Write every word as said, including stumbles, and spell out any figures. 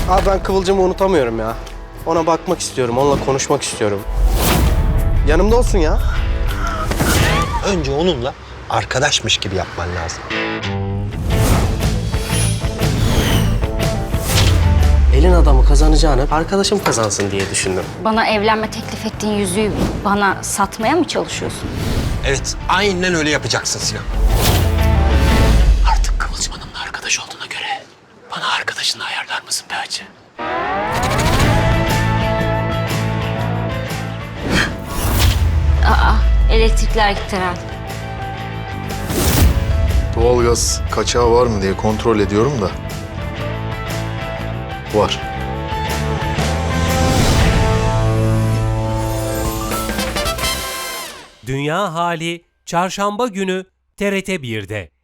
Abi ben Kıvılcım'ı unutamıyorum ya. Ona bakmak istiyorum, onunla konuşmak istiyorum. Yanımda olsun ya. Önce onunla arkadaşmış gibi yapman lazım. Elin adamı kazanacağını arkadaşım kazansın diye düşündüm. Bana evlenme teklif ettiğin yüzüğü bana satmaya mı çalışıyorsun? Evet, aynen öyle yapacaksın Sinan. Artık Kıvılcım Hanım'la arkadaş olduğuna göre bana arkadaşını ayarlar mısın be hacı? Aa, elektrikler gitti herhalde. Doğalgaz kaçağı var mı diye kontrol ediyorum da. Var. Dünya Hali Çarşamba günü T R T bir'de.